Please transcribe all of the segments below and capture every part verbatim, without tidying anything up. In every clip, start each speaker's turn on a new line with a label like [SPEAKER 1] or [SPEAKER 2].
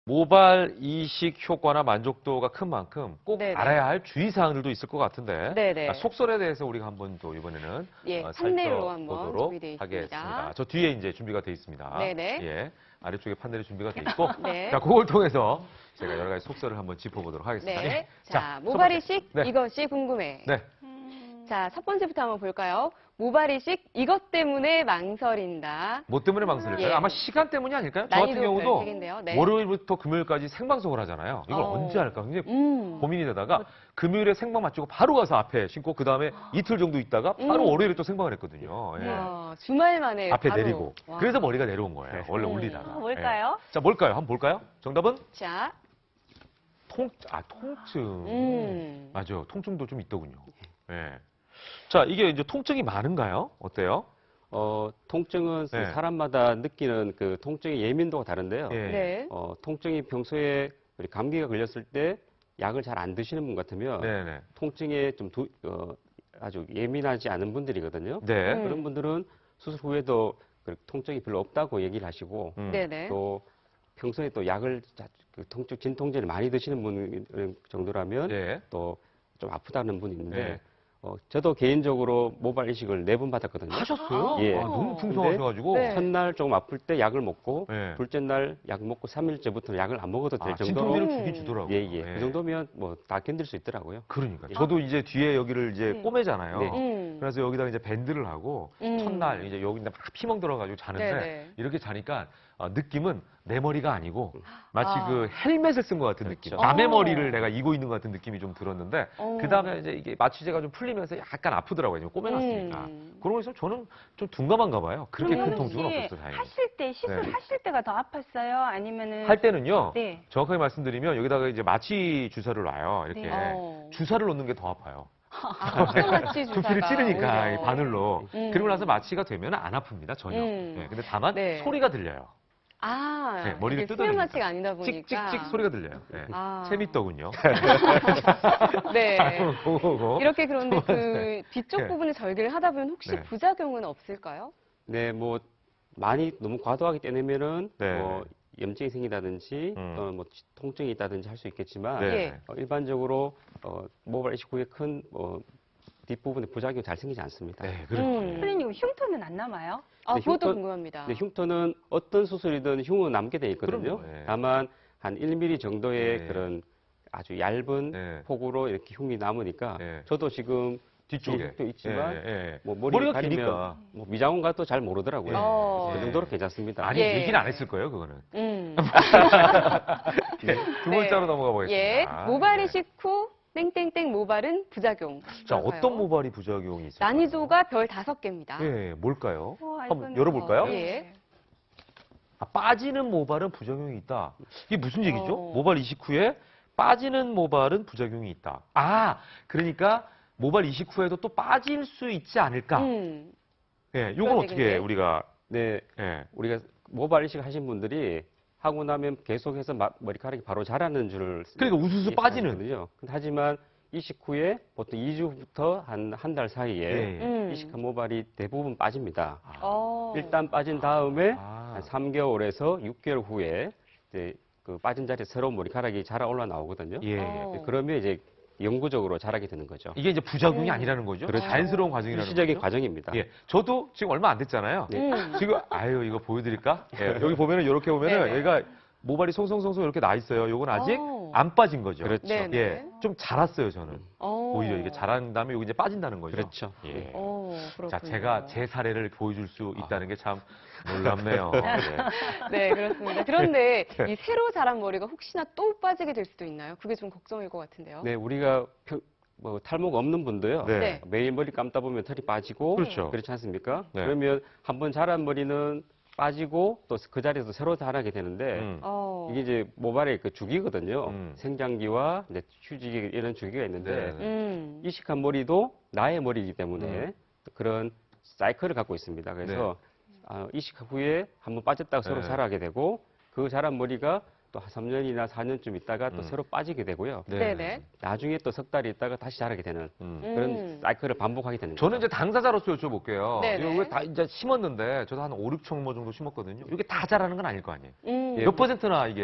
[SPEAKER 1] 모발 이식 효과나 만족도가 큰 만큼 꼭
[SPEAKER 2] 네네.
[SPEAKER 1] 알아야 할 주의사항들도 있을 것 같은데
[SPEAKER 2] 네네.
[SPEAKER 1] 아, 속설에 대해서 우리가 한번 또 이번에는
[SPEAKER 2] 예,
[SPEAKER 1] 어,
[SPEAKER 2] 판넬로 한번
[SPEAKER 1] 살펴보도록
[SPEAKER 2] 준비되어 있습니다.
[SPEAKER 1] 하겠습니다. 저 뒤에 이제 준비가 되어 있습니다.
[SPEAKER 2] 네네.
[SPEAKER 1] 예, 아래쪽에 판넬이 준비가 되어 있고
[SPEAKER 2] 네.
[SPEAKER 1] 자, 그걸 통해서 제가 여러 가지 속설을 한번 짚어보도록 하겠습니다.
[SPEAKER 2] 네.
[SPEAKER 1] 예.
[SPEAKER 2] 자,
[SPEAKER 1] 첫
[SPEAKER 2] 모발
[SPEAKER 1] 번째.
[SPEAKER 2] 이식
[SPEAKER 1] 네.
[SPEAKER 2] 이것이 궁금해.
[SPEAKER 1] 네.
[SPEAKER 2] 자, 첫 번째부터 한번 볼까요? 모발 이식 이것 때문에 망설인다.
[SPEAKER 1] 뭐 때문에 망설일까요?
[SPEAKER 2] 예.
[SPEAKER 1] 아마 시간 때문이 아닐까요? 저 같은
[SPEAKER 2] 난이도
[SPEAKER 1] 경우도
[SPEAKER 2] 별개인데요. 네.
[SPEAKER 1] 월요일부터 금요일까지 생방송을 하잖아요. 이걸
[SPEAKER 2] 어.
[SPEAKER 1] 언제 할까 굉장히
[SPEAKER 2] 음.
[SPEAKER 1] 고민이 되다가 금요일에 생방 마치고 바로 가서 앞에 신고 그 다음에 이틀 정도 있다가 바로
[SPEAKER 2] 음.
[SPEAKER 1] 월요일에 또 생방을 했거든요. 예.
[SPEAKER 2] 와, 주말 만에
[SPEAKER 1] 앞에
[SPEAKER 2] 바로.
[SPEAKER 1] 내리고.
[SPEAKER 2] 와.
[SPEAKER 1] 그래서 머리가 내려온 거예요. 원래
[SPEAKER 2] 음.
[SPEAKER 1] 올리다가.
[SPEAKER 3] 아, 뭘까요?
[SPEAKER 1] 예. 자, 뭘까요? 한번 볼까요? 정답은
[SPEAKER 2] 자,
[SPEAKER 1] 통, 아, 통증.
[SPEAKER 2] 음.
[SPEAKER 1] 맞아요. 통증도 좀 있더군요. 예. 자, 이게 이제 통증이 많은가요? 어때요?
[SPEAKER 4] 어, 통증은
[SPEAKER 1] 네.
[SPEAKER 4] 사람마다 느끼는 그 통증의 예민도가 다른데요.
[SPEAKER 1] 예.
[SPEAKER 2] 네.
[SPEAKER 4] 어, 통증이 평소에 우리 감기가 걸렸을 때 약을 잘 안 드시는 분 같으면
[SPEAKER 1] 네네.
[SPEAKER 4] 통증에 좀 두, 어, 아주 예민하지 않은 분들이거든요.
[SPEAKER 1] 네.
[SPEAKER 2] 음.
[SPEAKER 4] 그런 분들은 수술 후에도 그 통증이 별로 없다고 얘기를 하시고
[SPEAKER 1] 음.
[SPEAKER 2] 네네.
[SPEAKER 4] 또 평소에 또 약을 자- 그 통증 진통제를 많이 드시는 분 정도라면
[SPEAKER 1] 예.
[SPEAKER 4] 또 좀 아프다는 분이 있는데
[SPEAKER 1] 네.
[SPEAKER 4] 어, 저도 개인적으로 모발 이식을 네 번 받았거든요.
[SPEAKER 1] 하셨어요?
[SPEAKER 4] 예.
[SPEAKER 1] 아, 너무 풍성하셔가지고.
[SPEAKER 2] 네.
[SPEAKER 4] 첫날 조금 아플 때 약을 먹고
[SPEAKER 1] 예.
[SPEAKER 4] 둘째 날 약 먹고 삼 일째부터는 약을 안 먹어도 될
[SPEAKER 1] 아,
[SPEAKER 4] 정도로
[SPEAKER 1] 진통제를
[SPEAKER 2] 음.
[SPEAKER 1] 주긴 주더라고요.
[SPEAKER 4] 예, 예. 그 정도면 뭐 다 견딜 수 있더라고요.
[SPEAKER 1] 그러니까.
[SPEAKER 4] 예.
[SPEAKER 1] 저도 이제 뒤에 여기를 이제
[SPEAKER 3] 네.
[SPEAKER 1] 꼬매잖아요.
[SPEAKER 4] 네.
[SPEAKER 2] 음.
[SPEAKER 1] 그래서 여기다가 이제 밴드를 하고
[SPEAKER 2] 음.
[SPEAKER 1] 첫날 이제 여기 막 피멍 들어가지고 자는데
[SPEAKER 2] 네네.
[SPEAKER 1] 이렇게 자니까 어, 느낌은 내 머리가 아니고 마치
[SPEAKER 2] 아.
[SPEAKER 1] 그 헬멧을 쓴 것 같은 느낌.
[SPEAKER 4] 그렇죠.
[SPEAKER 1] 남의
[SPEAKER 2] 어.
[SPEAKER 1] 머리를 내가 이고 있는 것 같은 느낌이 좀 들었는데
[SPEAKER 2] 어.
[SPEAKER 1] 그 다음에 이제 이게 마취제가 좀 풀리면서 약간 아프더라고요. 꼬매놨으니까.
[SPEAKER 2] 음.
[SPEAKER 1] 그런 거 있으면 저는 좀 둔감한가 봐요. 그렇게 큰
[SPEAKER 3] 그러면
[SPEAKER 1] 통증은
[SPEAKER 3] 혹시
[SPEAKER 1] 없었어요. 다행히.
[SPEAKER 3] 하실 때 시술
[SPEAKER 1] 네.
[SPEAKER 3] 하실 때가 더 아팠어요? 아니면은
[SPEAKER 1] 할 때는요.
[SPEAKER 3] 네.
[SPEAKER 1] 정확하게 말씀드리면 여기다가 이제 마취 주사를 놔요. 이렇게
[SPEAKER 3] 네.
[SPEAKER 2] 어.
[SPEAKER 1] 주사를 놓는 게 더 아파요.
[SPEAKER 2] 아, 피부마취 주사가
[SPEAKER 1] 두피를 찌르니까
[SPEAKER 2] 오히려.
[SPEAKER 1] 이 바늘로.
[SPEAKER 2] 음.
[SPEAKER 1] 그리고 나서 마취가 되면 안 아픕니다 전혀.
[SPEAKER 2] 음.
[SPEAKER 1] 네, 근데 다만
[SPEAKER 2] 네.
[SPEAKER 1] 소리가 들려요.
[SPEAKER 2] 아,
[SPEAKER 1] 네, 머리를
[SPEAKER 2] 이게
[SPEAKER 1] 뜯어내니까.
[SPEAKER 2] 수면마취가 아니다 보니까.
[SPEAKER 1] 찍찍찍 소리가 들려요. 네.
[SPEAKER 2] 아.
[SPEAKER 1] 재밌더군요.
[SPEAKER 2] 네.
[SPEAKER 1] 그거.
[SPEAKER 2] 이렇게 그런데 그 뒤쪽
[SPEAKER 1] 네.
[SPEAKER 2] 부분에 절개를 하다 보면 혹시
[SPEAKER 1] 네.
[SPEAKER 2] 부작용은 없을까요?
[SPEAKER 4] 네, 뭐 많이 너무 과도하게 떼내면은
[SPEAKER 1] 네.
[SPEAKER 4] 뭐 염증이 생기다든지
[SPEAKER 1] 음.
[SPEAKER 4] 또는 뭐 통증이 있다든지 할 수 있겠지만
[SPEAKER 1] 네.
[SPEAKER 2] 예.
[SPEAKER 4] 어, 일반적으로 어, 모발 이식 후에 큰 뭐, 뒷부분에 부작용이 잘 생기지 않습니다.
[SPEAKER 1] 네, 그렇죠.
[SPEAKER 2] 음.
[SPEAKER 3] 선생님 흉터는 안 남아요?
[SPEAKER 2] 아,
[SPEAKER 4] 네,
[SPEAKER 2] 그것도
[SPEAKER 4] 흉터-
[SPEAKER 2] 궁금합니다.
[SPEAKER 4] 근데 흉터는 어떤 수술이든 흉은 남게 돼 있거든요.
[SPEAKER 1] 그럼요, 예.
[SPEAKER 4] 다만 한 일 밀리미터 정도의
[SPEAKER 1] 네.
[SPEAKER 4] 그런 아주 얇은
[SPEAKER 1] 네.
[SPEAKER 4] 폭으로 이렇게 흉이 남으니까
[SPEAKER 1] 네.
[SPEAKER 4] 저도 지금
[SPEAKER 1] 뒤쪽에.
[SPEAKER 4] 흉도 있지만
[SPEAKER 1] 예, 예, 예.
[SPEAKER 4] 뭐 머리를
[SPEAKER 1] 머리가
[SPEAKER 4] 가리면
[SPEAKER 1] 기니까.
[SPEAKER 4] 뭐 미장원 가도 잘 모르더라고요.
[SPEAKER 2] 어.
[SPEAKER 4] 그 정도로 괜찮습니다.
[SPEAKER 1] 아니,
[SPEAKER 2] 예.
[SPEAKER 1] 얘기는 안 했을 거예요, 그거는.
[SPEAKER 2] 음.
[SPEAKER 1] 네, 두
[SPEAKER 2] 네.
[SPEAKER 1] 번째로 넘어가 보겠습니다.
[SPEAKER 2] 예. 모발
[SPEAKER 1] 예.
[SPEAKER 2] 이식 후 땡땡땡 모발은 부작용.
[SPEAKER 1] 자,
[SPEAKER 2] 그럴까요?
[SPEAKER 1] 어떤 모발이 부작용이 있을까요?
[SPEAKER 2] 난이도가 별 다섯 개입니다.
[SPEAKER 1] 예, 뭘까요?
[SPEAKER 3] 와,
[SPEAKER 1] 한번
[SPEAKER 3] 이거는-
[SPEAKER 1] 열어볼까요?
[SPEAKER 2] 어, 예.
[SPEAKER 1] 아, 빠지는 모발은 부작용이 있다. 이게 무슨 얘기죠?
[SPEAKER 2] 어.
[SPEAKER 1] 모발 이식 후에 빠지는 모발은 부작용이 있다. 아, 그러니까 모발 이식 후에도 또 빠질 수 있지 않을까?
[SPEAKER 2] 음.
[SPEAKER 1] 예,
[SPEAKER 2] 그런
[SPEAKER 1] 요건 어떻게
[SPEAKER 2] 얘기인데.
[SPEAKER 1] 우리가
[SPEAKER 4] 네,
[SPEAKER 1] 예.
[SPEAKER 4] 우리가 모발 이식 하신 분들이 하고 나면 계속해서 마- 머리카락이 바로 자라는 줄
[SPEAKER 1] 그러니까 우수수 빠지는.
[SPEAKER 4] 거든요. 하지만 이식 후에 보통 이 주부터 한 한 달 사이에
[SPEAKER 1] 예.
[SPEAKER 2] 음.
[SPEAKER 4] 이식한 모발이 대부분 빠집니다.
[SPEAKER 1] 아,
[SPEAKER 2] 어.
[SPEAKER 4] 일단 빠진 다음에
[SPEAKER 1] 아.
[SPEAKER 4] 한 삼 개월에서 육 개월 후에 이제 그 빠진 자리에 새로운 머리카락이 자라 올라 나오거든요.
[SPEAKER 1] 예.
[SPEAKER 2] 어.
[SPEAKER 4] 그러면 이제 영구적으로 자라게 되는 거죠.
[SPEAKER 1] 이게 이제 부작용이
[SPEAKER 2] 음.
[SPEAKER 1] 아니라는 거죠.
[SPEAKER 4] 그렇죠.
[SPEAKER 1] 자연스러운 과정이라는
[SPEAKER 4] 일시적인
[SPEAKER 1] 거죠.
[SPEAKER 4] 과정입니다.
[SPEAKER 1] 예. 저도 지금 얼마 안 됐잖아요.
[SPEAKER 4] 네.
[SPEAKER 2] 음.
[SPEAKER 1] 지금 아유 이거 보여드릴까? 예, 여기 보면은 이렇게 보면은
[SPEAKER 2] 네네.
[SPEAKER 1] 여기가 모발이 송송송송 이렇게 나 있어요. 요건 아직
[SPEAKER 2] 어.
[SPEAKER 1] 안 빠진 거죠.
[SPEAKER 4] 그렇죠.
[SPEAKER 2] 네네.
[SPEAKER 1] 예, 좀 자랐어요 저는.
[SPEAKER 2] 어.
[SPEAKER 1] 오히려 이게 자란 다음에 여기 이제 빠진다는 거죠.
[SPEAKER 4] 그렇죠.
[SPEAKER 1] 예.
[SPEAKER 2] 어, 그렇군요.
[SPEAKER 1] 자, 제가 제 사례를 보여줄 수
[SPEAKER 4] 아.
[SPEAKER 1] 있다는 게 참 놀랍네요. 예.
[SPEAKER 2] 네, 그렇습니다. 그런데
[SPEAKER 1] 네.
[SPEAKER 2] 이 새로 자란 머리가 혹시나 또 빠지게 될 수도 있나요? 그게 좀 걱정일 것 같은데요.
[SPEAKER 4] 네, 우리가 평- 뭐 탈모가 없는 분도요.
[SPEAKER 1] 네.
[SPEAKER 2] 네.
[SPEAKER 4] 매일 머리 감다 보면 털이 빠지고
[SPEAKER 1] 그렇죠.
[SPEAKER 4] 그렇지 않습니까?
[SPEAKER 1] 네.
[SPEAKER 4] 그러면 한번 자란 머리는 빠지고 또 그 자리에서 새로 자라게 되는데
[SPEAKER 1] 음.
[SPEAKER 2] 어.
[SPEAKER 4] 이게 이제 모발의 그 주기거든요.
[SPEAKER 1] 음.
[SPEAKER 4] 생장기와 이제 휴지기 이런 주기가 있는데
[SPEAKER 1] 네.
[SPEAKER 2] 음.
[SPEAKER 4] 이식한 머리도 나의 머리이기 때문에
[SPEAKER 1] 음.
[SPEAKER 4] 그런 사이클을 갖고 있습니다. 그래서 아, 이식 후에 한번 빠졌다가 새로
[SPEAKER 1] 네.
[SPEAKER 4] 자라게 되고 그 자란 머리가 또 한 삼 년이나 사 년쯤 있다가 또
[SPEAKER 1] 음.
[SPEAKER 4] 새로 빠지게 되고요.
[SPEAKER 2] 네, 네.
[SPEAKER 4] 나중에 또 석 달이 있다가 다시 자라게 되는
[SPEAKER 1] 음.
[SPEAKER 4] 그런
[SPEAKER 2] 음.
[SPEAKER 4] 사이클을 반복하게 되는
[SPEAKER 1] 저는
[SPEAKER 4] 거죠.
[SPEAKER 1] 이제 당사자로서 여쭤볼게요.
[SPEAKER 2] 네네.
[SPEAKER 1] 이거 왜 다 이제 심었는데 저도 한 오, 육천 모 정도 심었거든요. 이게 다 자라는 건 아닐 거 아니에요.
[SPEAKER 2] 음.
[SPEAKER 4] 예,
[SPEAKER 1] 몇 퍼센트나 이게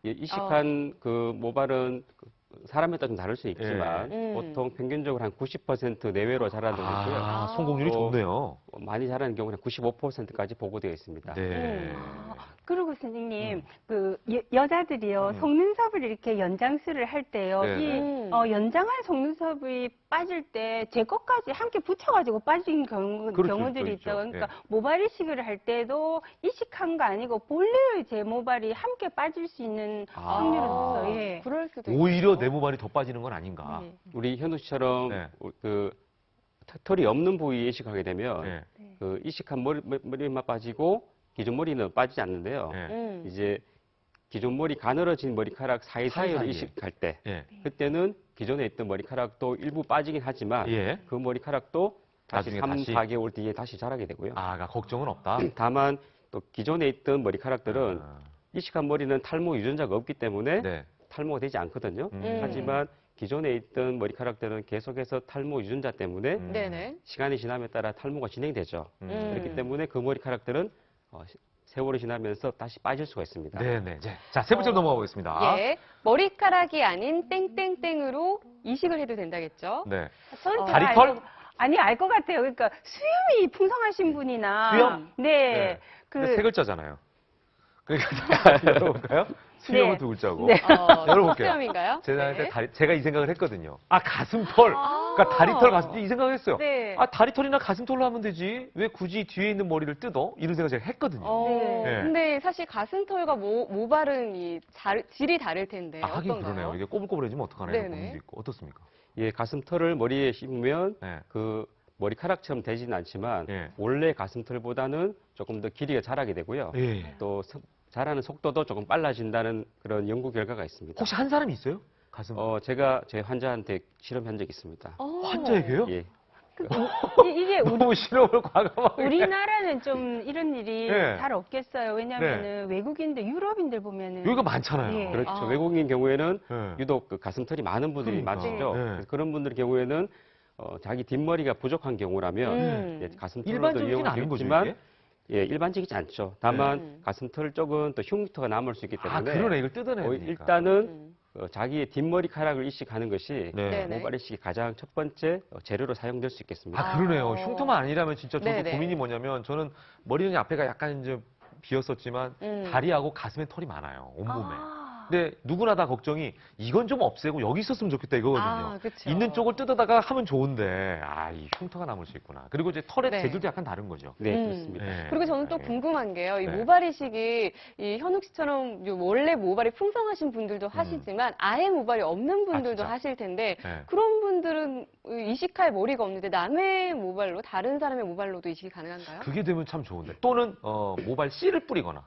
[SPEAKER 4] 예, 이식한 그 모발은 그 사람에 따라 좀 다를 수 있지만
[SPEAKER 2] 예. 음.
[SPEAKER 4] 보통 평균적으로 한 구십 퍼센트 내외로 자라는
[SPEAKER 1] 아,
[SPEAKER 4] 거고요.
[SPEAKER 1] 성공률이
[SPEAKER 4] 또
[SPEAKER 1] 좋네요.
[SPEAKER 4] 어, 많이 자라는 경우는 구십오 퍼센트까지 보고되어 있습니다.
[SPEAKER 1] 네.
[SPEAKER 3] 아, 그리고 선생님,
[SPEAKER 1] 음.
[SPEAKER 3] 그 여, 자들이요
[SPEAKER 1] 음.
[SPEAKER 3] 속눈썹을 이렇게 연장술을 할 때요,
[SPEAKER 1] 네,
[SPEAKER 3] 이
[SPEAKER 1] 네.
[SPEAKER 2] 음.
[SPEAKER 3] 어, 연장한 속눈썹이 빠질 때 제 것까지 함께 붙여가지고 빠진 경우,
[SPEAKER 1] 그렇죠,
[SPEAKER 3] 경우들이
[SPEAKER 1] 있죠,
[SPEAKER 3] 있죠.
[SPEAKER 1] 있죠.
[SPEAKER 3] 그러니까
[SPEAKER 1] 예.
[SPEAKER 3] 모발 이식을 할 때도 이식한 거 아니고 본래의 제 모발이 함께 빠질 수 있는
[SPEAKER 1] 아.
[SPEAKER 3] 확률은 있어요. 예.
[SPEAKER 2] 그럴 수도
[SPEAKER 1] 오히려
[SPEAKER 2] 있죠.
[SPEAKER 1] 내 모발이 더 빠지는 건 아닌가.
[SPEAKER 3] 네.
[SPEAKER 4] 우리 현우 씨처럼
[SPEAKER 1] 네.
[SPEAKER 4] 그 털- 털이 없는 부위에 이식하게 되면
[SPEAKER 1] 네.
[SPEAKER 4] 그 이식한 머리, 머리만 빠지고 기존 머리는 빠지지 않는데요.
[SPEAKER 1] 네.
[SPEAKER 2] 음.
[SPEAKER 4] 이제 기존 머리 가늘어진 머리카락 사이사이로
[SPEAKER 1] 사이사이에.
[SPEAKER 4] 이식할 때
[SPEAKER 1] 예.
[SPEAKER 4] 그때는 기존에 있던 머리카락도 일부 빠지긴 하지만
[SPEAKER 1] 예.
[SPEAKER 4] 그 머리카락도 다시
[SPEAKER 1] 나중에
[SPEAKER 4] 삼,
[SPEAKER 1] 다시?
[SPEAKER 4] 사 개월 뒤에 다시 자라게 되고요.
[SPEAKER 1] 아, 그러니까 걱정은 없다.
[SPEAKER 4] 다만 또 기존에 있던 머리카락들은
[SPEAKER 1] 아,
[SPEAKER 4] 이식한 머리는 탈모 유전자가 없기 때문에
[SPEAKER 1] 네.
[SPEAKER 4] 탈모가 되지 않거든요.
[SPEAKER 1] 음.
[SPEAKER 4] 하지만 기존에 있던 머리카락들은 계속해서 탈모 유전자 때문에
[SPEAKER 1] 음.
[SPEAKER 2] 네네.
[SPEAKER 4] 시간이 지남에 따라 탈모가 진행되죠.
[SPEAKER 1] 음.
[SPEAKER 4] 그렇기 때문에 그 머리카락들은 어, 시- 세월이 지나면서 다시 빠질 수가 있습니다.
[SPEAKER 1] 네네. 네. 자, 세 번째로
[SPEAKER 2] 어,
[SPEAKER 1] 넘어가 보겠습니다.
[SPEAKER 2] 예. 머리카락이 아닌 땡땡땡으로 이식을 해도 된다겠죠?
[SPEAKER 1] 네.
[SPEAKER 3] 저는
[SPEAKER 2] 어.
[SPEAKER 3] 잘
[SPEAKER 1] 다리털?
[SPEAKER 3] 알 것- 아니, 알 것 같아요. 그러니까 수염이 풍성하신 분이나.
[SPEAKER 1] 수염?
[SPEAKER 3] 네.
[SPEAKER 1] 네.
[SPEAKER 3] 그,
[SPEAKER 1] 근데 세 글자잖아요. 그러니까 열어볼까요? 수염은
[SPEAKER 3] 네.
[SPEAKER 1] 두 글자고.
[SPEAKER 3] 네.
[SPEAKER 2] 어,
[SPEAKER 1] 열어볼게요.
[SPEAKER 2] 수염인가요?
[SPEAKER 1] 제가,
[SPEAKER 2] 네.
[SPEAKER 1] 다리, 제가 이 생각을 했거든요. 아, 가슴털.
[SPEAKER 2] 아.
[SPEAKER 1] 그러니까 다리털, 가슴털 이 생각을 했어요.
[SPEAKER 3] 네.
[SPEAKER 1] 아, 다리털이나 가슴털로 하면 되지. 왜 굳이 뒤에 있는 머리를 뜯어? 이런 생각을 제가 했거든요.
[SPEAKER 2] 어,
[SPEAKER 1] 네.
[SPEAKER 2] 근데 사실 가슴털과 모, 모발은 이 잘, 질이 다를 텐데
[SPEAKER 1] 아, 하긴
[SPEAKER 2] 어떤가요?
[SPEAKER 1] 그러네요. 이게 꼬불꼬불해지면 어떡하나 이런
[SPEAKER 2] 네네.
[SPEAKER 1] 고민도 있고. 어떻습니까?
[SPEAKER 4] 예, 가슴털을 머리에 심으면
[SPEAKER 1] 네.
[SPEAKER 4] 그 머리카락처럼 되지는 않지만
[SPEAKER 1] 예.
[SPEAKER 4] 원래 가슴털보다는 조금 더 길이가 자라게 되고요.
[SPEAKER 1] 예.
[SPEAKER 4] 또 서- 자라는 속도도 조금 빨라진다는 그런 연구 결과가 있습니다.
[SPEAKER 1] 혹시 한 사람이 있어요? 가슴.
[SPEAKER 4] 어, 제가 제 환자한테 실험한 적이 있습니다.
[SPEAKER 2] 어.
[SPEAKER 1] 환자에게요?
[SPEAKER 4] 예.
[SPEAKER 3] 이- 이게 우리,
[SPEAKER 1] 너무 실험을 과감하게.
[SPEAKER 3] 우리나라는 좀 이런 일이
[SPEAKER 1] 네.
[SPEAKER 3] 잘 없겠어요. 왜냐면은 외국인들, 유럽인들 보면은.
[SPEAKER 1] 여기가 많잖아요.
[SPEAKER 3] 예.
[SPEAKER 4] 그렇죠.
[SPEAKER 2] 아.
[SPEAKER 4] 외국인 경우에는
[SPEAKER 1] 네.
[SPEAKER 4] 유독 그 가슴털이 많은 분들이
[SPEAKER 1] 그러니까.
[SPEAKER 4] 많으시죠.
[SPEAKER 1] 네.
[SPEAKER 4] 그래서 그런 분들 경우에는 어, 자기 뒷머리가 부족한 경우라면
[SPEAKER 2] 음.
[SPEAKER 4] 예, 가슴털로도
[SPEAKER 1] 일반적이진
[SPEAKER 4] 이용할 수
[SPEAKER 1] 않은 거죠,
[SPEAKER 4] 있지만
[SPEAKER 1] 이게?
[SPEAKER 4] 예, 일반적이지 않죠. 다만
[SPEAKER 2] 음.
[SPEAKER 4] 가슴털 쪽은 또 흉터가 남을 수 있기 때문에
[SPEAKER 1] 아, 그러네. 이걸 뜯어내야
[SPEAKER 4] 어,
[SPEAKER 1] 되니까.
[SPEAKER 4] 일단은
[SPEAKER 2] 음.
[SPEAKER 4] 어, 자기의 뒷머리카락을 이식하는 것이
[SPEAKER 1] 네.
[SPEAKER 2] 네네.
[SPEAKER 4] 모발 이식이 가장 첫 번째 어, 재료로 사용될 수 있겠습니다.
[SPEAKER 1] 아, 그러네요.
[SPEAKER 2] 어.
[SPEAKER 1] 흉터만 아니라면 진짜 저도
[SPEAKER 2] 네네.
[SPEAKER 1] 고민이 뭐냐면 저는 머리는 앞에가 약간 이제 비었었지만
[SPEAKER 2] 음.
[SPEAKER 1] 다리하고 가슴에 털이 많아요. 온몸에.
[SPEAKER 3] 아.
[SPEAKER 1] 근데 누구나 다 걱정이 이건 좀 없애고 여기 있었으면 좋겠다 이거거든요.
[SPEAKER 2] 아, 그쵸.
[SPEAKER 1] 있는 쪽을 뜯어다가 하면 좋은데 아, 이 흉터가 남을 수 있구나. 그리고 이제 털의
[SPEAKER 2] 네.
[SPEAKER 1] 재질도 약간 다른 거죠.
[SPEAKER 4] 네,
[SPEAKER 2] 음.
[SPEAKER 4] 그렇습니다.
[SPEAKER 1] 네.
[SPEAKER 2] 그리고 저는 또
[SPEAKER 1] 네.
[SPEAKER 2] 궁금한 게요. 이
[SPEAKER 1] 네.
[SPEAKER 2] 모발 이식이 이 현욱 씨처럼 요 원래 모발이 풍성하신 분들도 하시지만 아예 모발이 없는 분들도
[SPEAKER 1] 음. 진짜?
[SPEAKER 2] 하실 텐데
[SPEAKER 1] 네.
[SPEAKER 2] 그런 분들은 이식할 머리가 없는데 남의 모발로 다른 사람의 모발로도 이식이 가능한가요?
[SPEAKER 1] 그게 되면 참 좋은데. 또는 어, 모발 씨를 뿌리거나.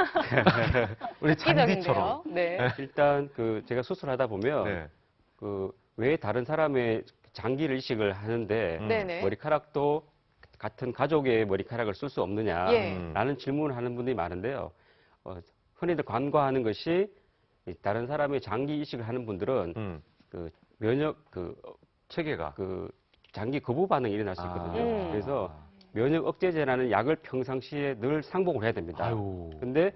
[SPEAKER 1] 우리
[SPEAKER 2] 획기적인데요.
[SPEAKER 1] 잔디처럼.
[SPEAKER 2] 네.
[SPEAKER 4] 일단 그 제가 수술하다 보면
[SPEAKER 1] 네.
[SPEAKER 4] 그 왜 다른 사람의 장기를 이식을 하는데
[SPEAKER 1] 음.
[SPEAKER 2] 네네.
[SPEAKER 4] 머리카락도 같은 가족의 머리카락을 쓸 수 없느냐라는
[SPEAKER 2] 예.
[SPEAKER 1] 음.
[SPEAKER 4] 질문을 하는 분들이 많은데요. 어, 흔히들 관과하는 것이 이 다른 사람의 장기 이식을 하는 분들은
[SPEAKER 1] 음.
[SPEAKER 4] 그 면역 그, 어,
[SPEAKER 1] 체계가.
[SPEAKER 4] 그 장기 거부 반응이 일어날 수 있거든요.
[SPEAKER 2] 음.
[SPEAKER 4] 그래서 면역 억제제라는 약을 평상시에 늘 상복을 해야 됩니다.
[SPEAKER 1] 아유.
[SPEAKER 4] 근데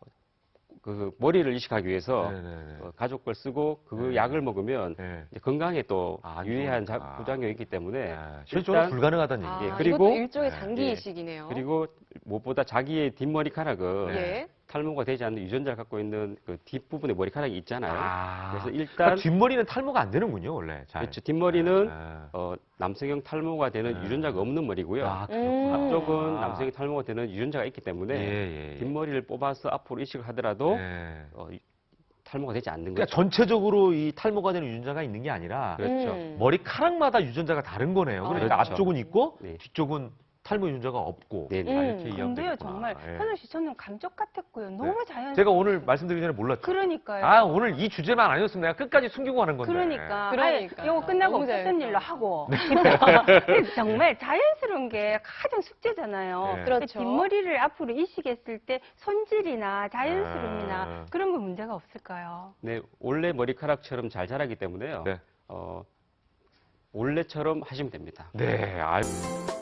[SPEAKER 4] 그 머리를 이식하기 위해서
[SPEAKER 1] 네네네.
[SPEAKER 4] 어, 가족 걸 쓰고 그
[SPEAKER 1] 네.
[SPEAKER 4] 약을 먹으면
[SPEAKER 1] 네.
[SPEAKER 4] 이제 건강에 또
[SPEAKER 1] 아, 안
[SPEAKER 4] 유해한
[SPEAKER 1] 좋으니까.
[SPEAKER 4] 자- 부작용이 있기 때문에
[SPEAKER 1] 아, 실제로
[SPEAKER 4] 일단-
[SPEAKER 1] 불가능하다는
[SPEAKER 2] 아,
[SPEAKER 1] 얘기예요.
[SPEAKER 4] 예, 그리고-
[SPEAKER 2] 이것도 일종의
[SPEAKER 1] 네.
[SPEAKER 2] 장기
[SPEAKER 4] 예.
[SPEAKER 2] 이식이네요.
[SPEAKER 4] 그리고 무엇보다 자기의 뒷머리카락은
[SPEAKER 1] 네.
[SPEAKER 2] 예.
[SPEAKER 4] 탈모가 되지 않는 유전자를 갖고 있는 그 뒷부분에 머리카락이 있잖아요.
[SPEAKER 1] 아,
[SPEAKER 4] 그래서 일단
[SPEAKER 1] 그러니까 뒷머리는 탈모가 안 되는군요, 원래. 잘.
[SPEAKER 4] 그렇죠. 뒷머리는
[SPEAKER 1] 아,
[SPEAKER 4] 어, 남성형 탈모가 되는
[SPEAKER 1] 네.
[SPEAKER 4] 유전자가 없는 머리고요.
[SPEAKER 1] 아,
[SPEAKER 2] 음.
[SPEAKER 1] 그렇구나.
[SPEAKER 4] 앞쪽은
[SPEAKER 1] 아.
[SPEAKER 4] 남성형 탈모가 되는 유전자가 있기 때문에
[SPEAKER 1] 예, 예, 예.
[SPEAKER 4] 뒷머리를 뽑아서 앞으로 이식을 하더라도
[SPEAKER 1] 예.
[SPEAKER 4] 어, 이- 탈모가 되지 않는
[SPEAKER 1] 그러니까
[SPEAKER 4] 거죠.
[SPEAKER 1] 전체적으로 이 탈모가 되는 유전자가 있는 게 아니라
[SPEAKER 4] 그렇죠.
[SPEAKER 2] 음.
[SPEAKER 1] 머리카락마다 유전자가 다른 거네요. 그러니까
[SPEAKER 4] 그렇죠.
[SPEAKER 1] 앞쪽은 있고
[SPEAKER 4] 네.
[SPEAKER 1] 뒤쪽은 탈모 유전자가 없고.
[SPEAKER 4] 네, 네.
[SPEAKER 1] 아,
[SPEAKER 2] 음.
[SPEAKER 1] 이렇게 이해하면
[SPEAKER 3] 근데요,
[SPEAKER 1] 되겠구나.
[SPEAKER 3] 정말
[SPEAKER 1] 예.
[SPEAKER 3] 현우 씨 저는 감쪽 같았고요. 너무 자연스러워.
[SPEAKER 1] 제가 오늘 말씀드리기 전에 몰랐죠.
[SPEAKER 3] 그러니까요.
[SPEAKER 1] 아, 오늘 이 주제만 아니었으면 내가 끝까지 숨기고 하는 건데.
[SPEAKER 3] 그러니까.
[SPEAKER 2] 그러니까.
[SPEAKER 3] 아예 이거 끝나고
[SPEAKER 2] 너무
[SPEAKER 3] 없었던
[SPEAKER 2] 자연스러워.
[SPEAKER 3] 일로 하고.
[SPEAKER 1] 네.
[SPEAKER 3] 그래서 정말 자연스러운 게 가장 숙제잖아요.
[SPEAKER 1] 네.
[SPEAKER 2] 그렇죠.
[SPEAKER 3] 뒷머리를 앞으로 이식했을 때 손질이나 자연스러움이나
[SPEAKER 1] 아.
[SPEAKER 3] 그런 거 문제가 없을까요?
[SPEAKER 4] 네, 원래 머리카락처럼 잘 자라기 때문에요.
[SPEAKER 1] 네.
[SPEAKER 4] 어, 원래처럼 하시면 됩니다.
[SPEAKER 1] 네, 알.